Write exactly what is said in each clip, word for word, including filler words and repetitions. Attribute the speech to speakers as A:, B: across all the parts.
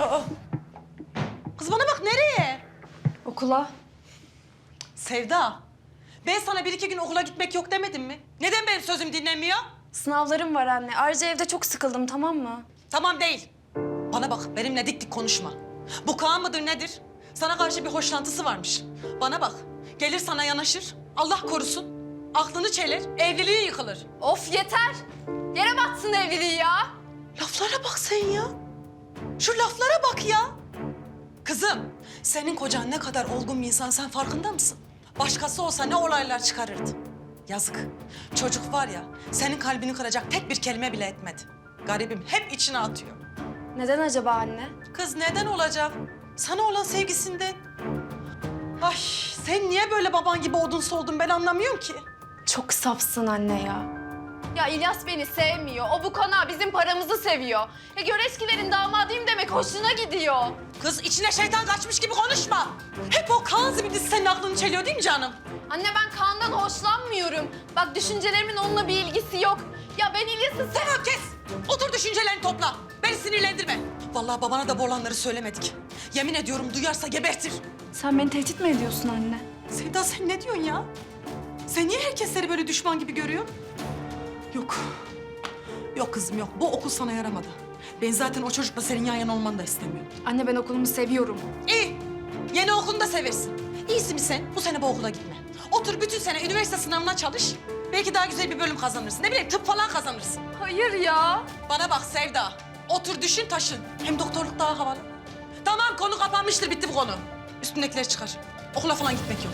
A: Aa. Kız bana bak, nereye?
B: Okula.
A: Sevda, ben sana bir iki gün okula gitmek yok demedim mi? Neden benim sözüm dinlemiyor?
B: Sınavlarım var anne. Ayrıca evde çok sıkıldım, tamam mı?
A: Tamam değil. Bana bak, benimle dik dik konuşma. Bu Kaan mıdır nedir? Sana karşı bir hoşlantısı varmış. Bana bak, gelir sana yanaşır, Allah korusun. Aklını çeler, evliliği yıkılır.
B: Of yeter! Yere batsın evliliği ya!
A: Laflara bak sen ya. Şu laflara bak ya. Kızım, senin kocan ne kadar olgun bir insan, sen farkında mısın? Başkası olsa ne olaylar çıkarırdı. Yazık. Çocuk var ya, senin kalbini kıracak tek bir kelime bile etmedi. Garibim hep içine atıyor.
B: Neden acaba anne?
A: Kız neden olacak? Sana olan sevgisinden. Ay, sen niye böyle baban gibi odunsu oldun ben anlamıyorum ki.
B: Çok safsın anne ya. Ya İlyas beni sevmiyor. O bu konağı bizim paramızı seviyor. Ya Göreçkilerin damadıyım demek hoşuna gidiyor.
A: Kız içine şeytan kaçmış gibi konuşma. Hep o Kaan zibidisi senin aklını çeliyor değil mi canım?
B: Anne ben Kaan'dan hoşlanmıyorum. Bak düşüncelerimin onunla bir ilgisi yok. Ya ben İlyas'ı sev...
A: Tamam kes. Otur düşüncelerini topla. Beni sinirlendirme. Vallahi babana da bu olanları söylemedik. Yemin ediyorum duyarsa gebertir.
B: Sen beni tehdit mi ediyorsun anne?
A: Sevda sen ne diyorsun ya? Sen niye herkesleri böyle düşman gibi görüyorsun? Yok. Yok kızım yok. Bu okul sana yaramadı. Ben zaten o çocukla senin yan yana olmanı da istemiyorum.
B: Anne ben okulumu seviyorum.
A: İyi. Yeni okulunu da seversin. İyisi mi sen? Bu sene bu okula gitme. Otur bütün sene üniversite sınavına çalış. Belki daha güzel bir bölüm kazanırsın. Ne bileyim tıp falan kazanırsın.
B: Hayır ya.
A: Bana bak Sevda. Otur düşün taşın. Hem doktorluk daha havalı. Tamam konu kapanmıştır bitti bu konu. Üstündekileri çıkar. Okula falan gitmek yok.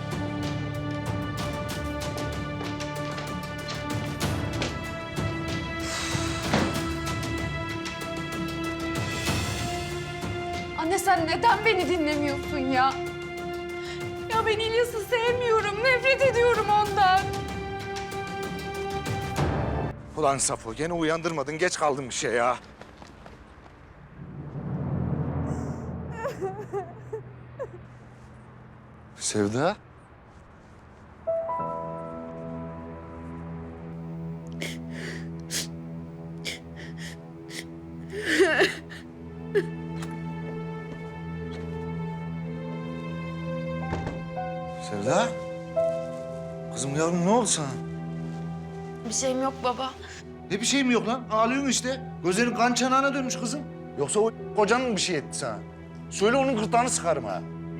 B: Anne sen neden beni dinlemiyorsun ya? Ya ben İlyas'ı sevmiyorum. Nefret ediyorum ondan.
C: Ulan Safo gene uyandırmadın. Geç kaldım bir şey ya. Sevda. Sevda. Kızım yavrum ne oldu sana?
B: Bir şeyim yok baba.
C: Ne bir şey mi yok lan? Ağlıyorsun işte. Gözlerin kan çanağına dönmüş kızım. Yoksa o kocan mı bir şey etti sana? Söyle onun gırtlağını sıkarım ha.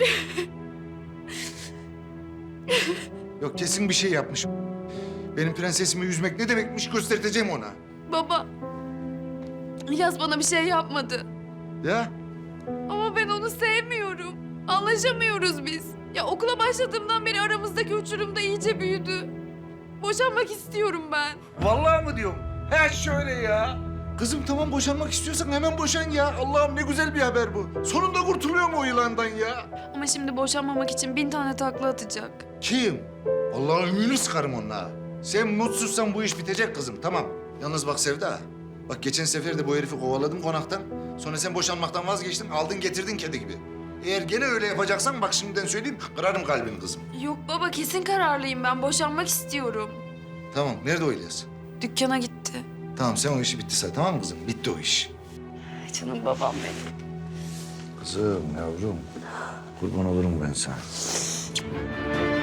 C: Yok kesin bir şey yapmış. Benim prensesimi yüzmek ne demekmiş göstereceğim ona.
B: Baba. İlyas bana bir şey yapmadı.
C: Ya
B: Ama ben onu sevmiyorum. Anlaşamıyoruz biz. Ya okula başladığımdan beri aramızdaki uçurum da iyice büyüdü. Boşanmak istiyorum ben.
C: vallahi mı diyorum? He şöyle ya. Kızım tamam boşanmak istiyorsan hemen boşan ya. Allah'ım ne güzel bir haber bu. Sonunda kurtuluyor mu o yılandan ya?
B: Ama şimdi boşanmamak için bin tane takla atacak.
C: Kim? Vallahi ümünü sıkarım onunla. Sen mutsuzsan bu iş bitecek kızım tamam. Yalnız bak Sevda. Bak geçen sefer de bu herifi kovaladım konaktan. Sonra sen boşanmaktan vazgeçtin, aldın getirdin kedi gibi. Eğer gene öyle yapacaksan bak şimdiden söyleyeyim, kırarım kalbini kızım.
B: Yok baba kesin kararlıyım ben. Boşanmak istiyorum.
C: Tamam, nerede o İlyas?
B: Dükkana gitti.
C: Tamam, sen o işi bitti say, tamam mı kızım? Bitti o iş.
B: Canım babam benim.
C: Kızım, yavrum. Kurban olurum ben sana.